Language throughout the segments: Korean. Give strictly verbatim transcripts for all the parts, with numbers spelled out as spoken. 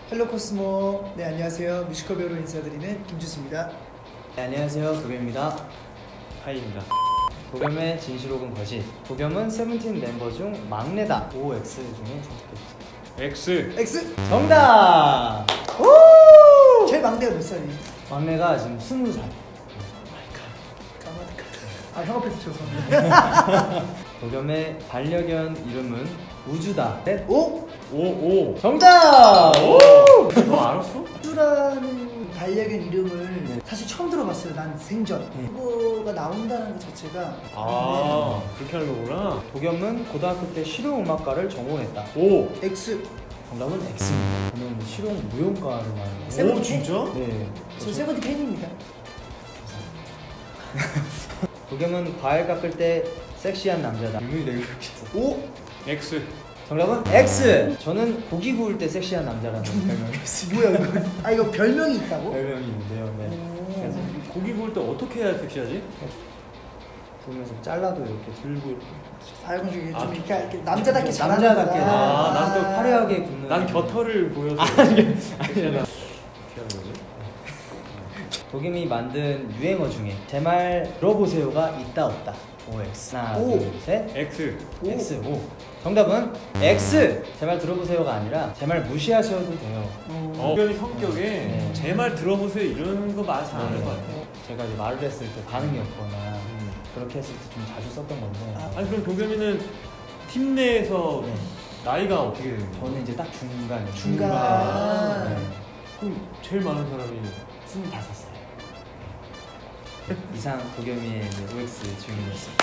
헬로 코스모. 네, 안녕하세요. 뮤지컬 배우로 인사드리는 김주수입니다. 네, 안녕하세요. 도겸입니다. 하이입니다. 도겸의 진실 혹은 거짓. 도겸은 세븐틴 멤버 중 막내다. O, X 중에 선택해주세요. X. X. 정답! 오! 제일 막내가 몇 살이에요? 막내가 지금 스무 살. 까마득하다. 아, 형 앞에서 죄송합니다. 도겸의 반려견 이름은 우주다. 넷. 오! 오, 오. 정답! 오! 너 알았어? 우주라는 반려견 이름을 네. 사실 처음 들어봤어요. 난 생전. 네. 그거가 나온다는 것 자체가. 아, 그렇게 하는 거구나. 도겸은 고등학교 때 실용음악과를 전공했다. 오. 네. X. 정답은 X입니다. 저는 실용 무용과를 나왔는데. 세븐틴 오, 진짜? 네. 저 세븐틴 팬입니다. 도겸은 과일 깎을 때 섹시한 남자다. 유명이 되게 그렇겠어. 오! X. 정답은 X. 저는 고기 구울 때 섹시한 남자라는 별명이 있습니다. 뭐야 이거? 아, 이거 별명이 있다고? 별명이 있는데요. 네. 오. 그래서 고기 구울 때 어떻게 해야 섹시하지? 구우면서 잘라도 이렇게 들고 아, 이건 좀 아, 이렇게, 이렇게 남자답게 잘하는 남자답게. 거다. 아, 난 또 화려하게 굽는. 난 겨털을 보여서. 아니, 아니야. 어떻게 하는 거지? 도겸이 만든 유행어 중에 제 말 들어보세요가 있다 없다. O, X. 하나, 오. 둘, 셋. X. 오. X. O. 정답은 X. 제 말 들어보세요가 아니라 제 말 무시하셔도 돼요. 어, 도겸이 성격에 네. 제 말 들어보세요 이러는 거 많지 않을 것 같아. 제가 이제 말을 했을 때 반응이 없거나 음. 그렇게 했을 때 좀 자주 썼던 건데. 아. 아니 그럼 도겸이는 팀 내에서 네. 나이가 어떻게 되는 거야? 저는 이제 딱 중간이에요. 중간. 네. 그럼 제일 많은 사람이 스물다섯 살. 이상 도겸이의 O X 질문이었습니다.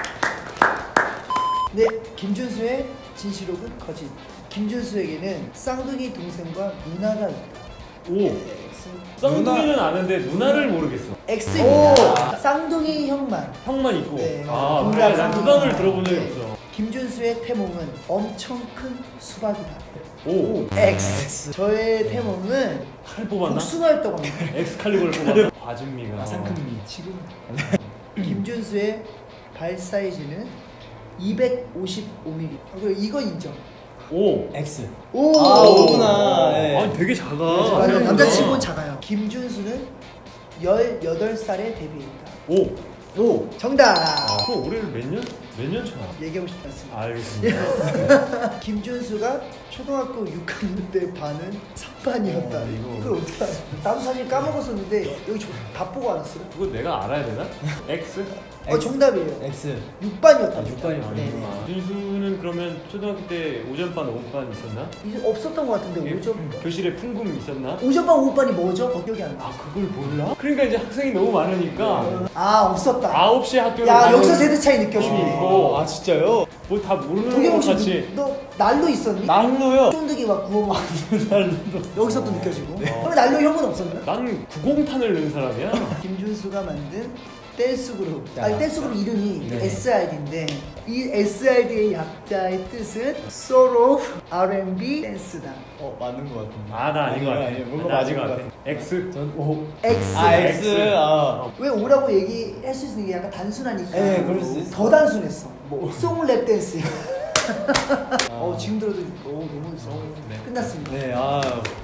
네, 김준수의 진실혹은 거짓. 김준수에게는 쌍둥이 동생과 누나가 있다. 오. X. 쌍둥이는 아는데 누나를 모르겠어. X입니다. 쌍둥이 형만. 형만 있고. 네, 아, 동갑 그래. 난 쌍둥이. 누나를 들어본 적이 네. 없어. 김준수의 태몽은 엄청 큰 수박이다. 오. X. 저의 태몽은 칼 뽑았나? 복숭아였다고 합니다. 엑스칼리버를 뽑았나? 과즙미가. 마상큼미. 지금 김준수의 발 사이즈는 이백오십오 밀리미터. 아, 그리고 이건 인정. 오. X. 오. 아, 오구나. 네. 아니 되게 작아. 맞아요. 생각보다. 남자치고는 작아요. 김준수는 열여덟 살에 데뷔했다. 오. 오. 정답. 아, 그럼 올해를 몇 년? 몇 년 차? 얘기하고 싶지 않습니다. 알겠습니다. 김준수가 초등학교 육 학년 때 반은 삼 반이었다. 어, 이거. 그걸 어떻게 알아? 나도 사실 까먹었었는데 여기 저 다 보고 알았어요. 그거 내가 알아야 되나? X? 어, 정답이에요. X. 육 반이었다. 아, 육 반이었구나. 네. 아, 준수는 그러면 초등학교 때 오전반, 오후반 있었나? 이제 없었던 것 같은데 예, 오전 교실에 풍금 있었나? 오전반 오후반이 뭐죠? 어, 기억이 안 나. 아 그걸 몰라? 그러니까 이제 학생이 너무 많으니까 아, 없었다. 아홉 시에 학교를 야, 가면 여기서 세대 차이 느껴지네. 어. 아, 진짜요? 뭐 다 모르는 도겸 거 혹시 같이 너, 너 난로 있었니? 난로요? 쫀득이 막 구워 먹고 여기서 또 느껴지고. 네. 그럼 난로 형은 없었나? 난 구공탄을 넣은 사람이야. 김준수가 만든 댄스 그룹. 야. 아니 댄스 그룹 이름이 네. 에스아이디인데 이 에스아이디의 약자의 뜻은 Soul of 알 앤 비 댄스다. 어, 맞는 것 같은데. 아 나 아닌 것 같아. 아니에요. 뭔가 나 맞은 아닌 것 것 같아. X. 전 O. X. 아, X. X. 아. 왜 오라고 얘기할 수 있는 게 약간 단순하니까. 네, 그럴 수 있어. 더 단순했어. 뭐. 송랩 댄스. 아. 어, 지금 들어도 어, 너무 있어. 네. 끝났습니다. 네, 아.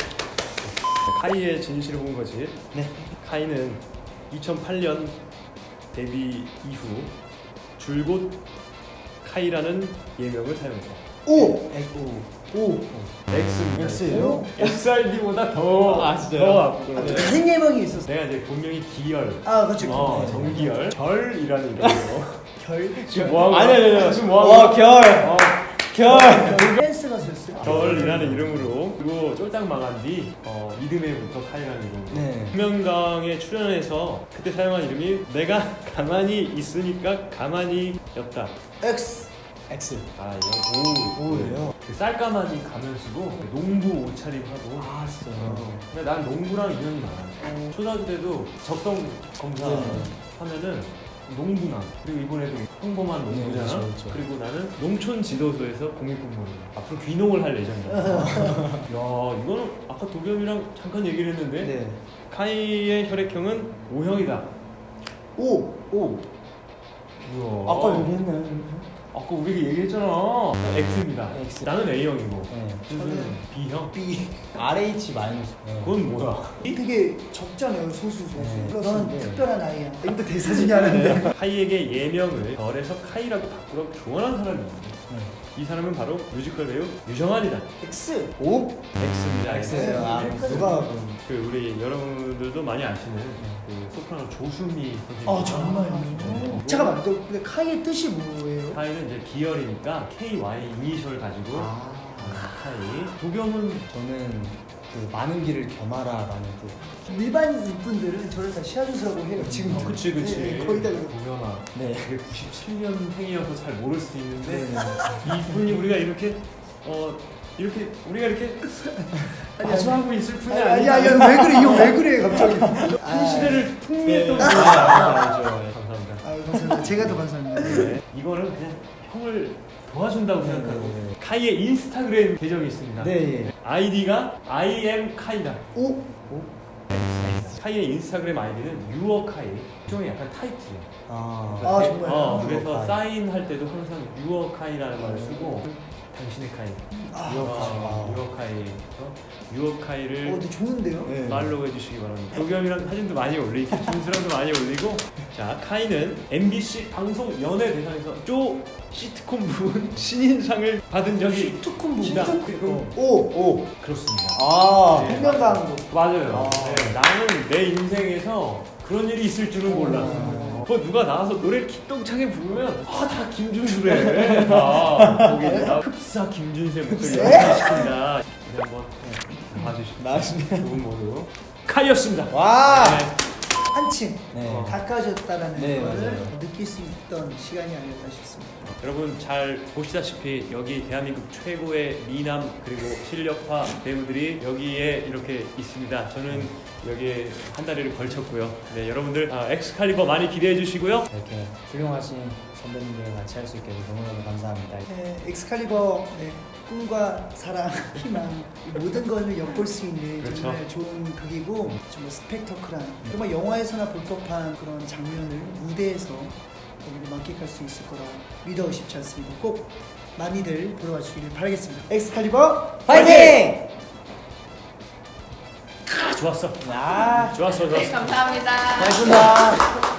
카이의 진실을 본 거지. 네. 카이는 이천팔 년 데뷔 이후 줄곧 카이라는 예명을 사용했다. 오. X. 오. X입니다. X예요? 엑스알디보다 더, 아, 진짜요? 더 앞으로. 네. 다른 예명이 있었어. 내가 이제 본명이 기열. 아, 그렇죠. 어, 네. 정기열. 결이라는 이름으로. 결. 지금 뭐 하고? 아니, 아니, 아니. 지금 뭐 하고? 와, 결. 어, 결. 댄스 가수였어요. 결이라는 이름으로 그리고 쫄딱 망한 뒤 어, 이듬해부터 카이라는 이름으로 네. 금명강에 출연해서 그때 사용한 이름이 내가 가만히 있으니까 가만히였다. X. X. 아 이거 오 오예요? 그 쌀가마니 가면 쓰고 농부 옷차림하고. 아, 진짜요? 어. 근데 난 농구랑 인연이 많아. 초등학교 때도 적성 검사 네. 하면은 농부나 그리고 이번에도 평범한 농부잖아. 네, 그렇죠, 그렇죠. 그리고 나는 농촌 지도소에서 공익공무원. 앞으로 귀농을 할 예정이야. 야 이거는 아까 도겸이랑 잠깐 얘기를 했는데 네. 카이의 혈액형은 O형이다. 오. 오. 우와. 아까 얘기했나요? 아까 우리가 얘기했잖아. X입니다. X. 나는 A형이고. 네. 준수는 B형. B. 알에이치 마이너스. 네. 그건 뭐야? 되게 적잖아요, 소수 소수. 네. 너는 네. 특별한 아이야. 이것도 대사 중에 하나인데. 카이에게 예명을 별에서 카이라고 바꾸라고 조언한 사람이 있는데 네. 이 사람은 바로 뮤지컬 배우 유정환이다. X. 오? X입니다. X예요. 아, 네. 누가 그 우리 여러분들도 많이 아시는 그 소프라노 조수미 선생님. 아 정말요? 잠깐만, 저 근데 카이의 뜻이 뭐예요? 카이는 이제 기열이니까 케이 와이 이니셜 가지고 아, 카이. 도겸은 저는 그 많은 길을 겸하라라는 뜻. 일반 분들은 저를 다 시아주스라고 해요. 지금. 어, 그치 그치. 네, 거의 다 그래요. 도겸아. 네. 그게 구십칠 년생이어서 잘 모를 수도 있는데 네. 이분이 우리가 이렇게 어 이렇게 우리가 이렇게 아니, 마주하고 있을 분이 아니 아니야. 아니 아니 왜 그래? 이거 왜 그래 갑자기? 한 시대를 풍미했던 네. 분이야. 알죠, 알죠. 감사합니다. 아 감사합니다. 제가 더 감사합니다. 네. 이거는 그냥 형을 도와준다고 네, 생각하고 네, 네. 카이의 인스타그램 계정이 있습니다. 네, 예. 아이디가 I am 카이다. 오? 카이의 인스타그램 아이디는 유어 카이. 일종의 약간 타이틀이야. 아, 아, 정말요? 어, 그래서 유어 카이. 사인할 때도 항상 유어 카이라는 말을 쓰고 당신의 카이. 아, 유어 카이. 어, 유어 카이에서 유어 카이를 어, 근데 좋은데요? 네. 팔로우 해주시기 바랍니다. 도겸이랑 사진도 많이 올리고 준수랑도 많이 올리고. 자, 카이는 엠비씨 방송 연예 대상에서 쪼 시트콤 부분 신인상을 받은 적이 시트콤 있다. 부분? 오! 오. 그렇습니다. 아, 네. 생명강도. 맞아요. 아. 네, 나는 내 인생에서 그런 일이 있을 줄은 몰랐어. 어. 그 누가 나와서 노래를 기똥차게 부르면 아 다 김준수래. 아, 거기다가 흡사 김준수의 목소리 흡사? 연상시킨다. 네, 한번 봐주시고 나중에. 두분 모두 카이였습니다. 와. 네. 한층 네. 가까워졌다라는 네, 거를 맞아요. 느낄 수 있던 시간이 아닐까 싶습니다. 여러분 잘 보시다시피 여기 대한민국 최고의 미남 그리고 실력파 배우들이 여기에 이렇게 있습니다. 저는 여기에 한 다리를 걸쳤고요. 네, 여러분들 아, 엑스칼리버 많이 기대해 주시고요. 이렇게 훌륭하신 선배님들과 같이 할 수 있게 해서 너무너무 감사합니다. 네, 엑스칼리버 네, 꿈과 사랑, 희망 이 모든 것을 엿볼 수 있는 그렇죠. 정말 좋은 극이고 정말 스펙터클한 정말 영화에서나 볼 법한 그런 장면을 무대에서 여러분들 만끽할 수 있을 거라 믿어 싶지 않습니다. 꼭 많이들 보러 와주시길 바라겠습니다. 엑스칼리버 파이팅! 아, 좋았어. 아, 좋았어, 네, 좋았어. 감사합니다. 고맙습니다.